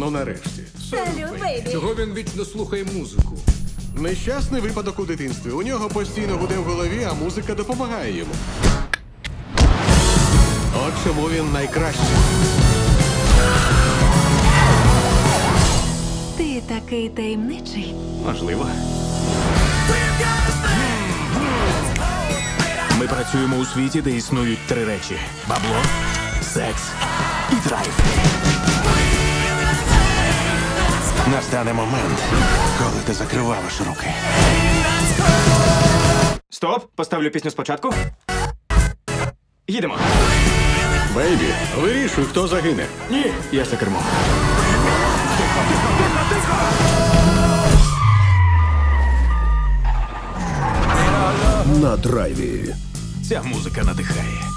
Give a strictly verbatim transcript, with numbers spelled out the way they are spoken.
Ну нарешті. Салют, бейбі. Чого він вічно слухає музику? Нещасний випадок у дитинстві. У нього постійно гуде в голові, а музика допомагає йому. От чому він найкращий. Ти такий таємничий. Можливо. Ми працюємо у світі, де існують три речі: бабло, секс і драйв. Настане момент, коли ти закриваєш руки. Стоп! Поставлю пісню спочатку. Їдемо. Бейбі, вирішуй, хто загине. Ні, я за кермом. На драйві. Ця музика надихає.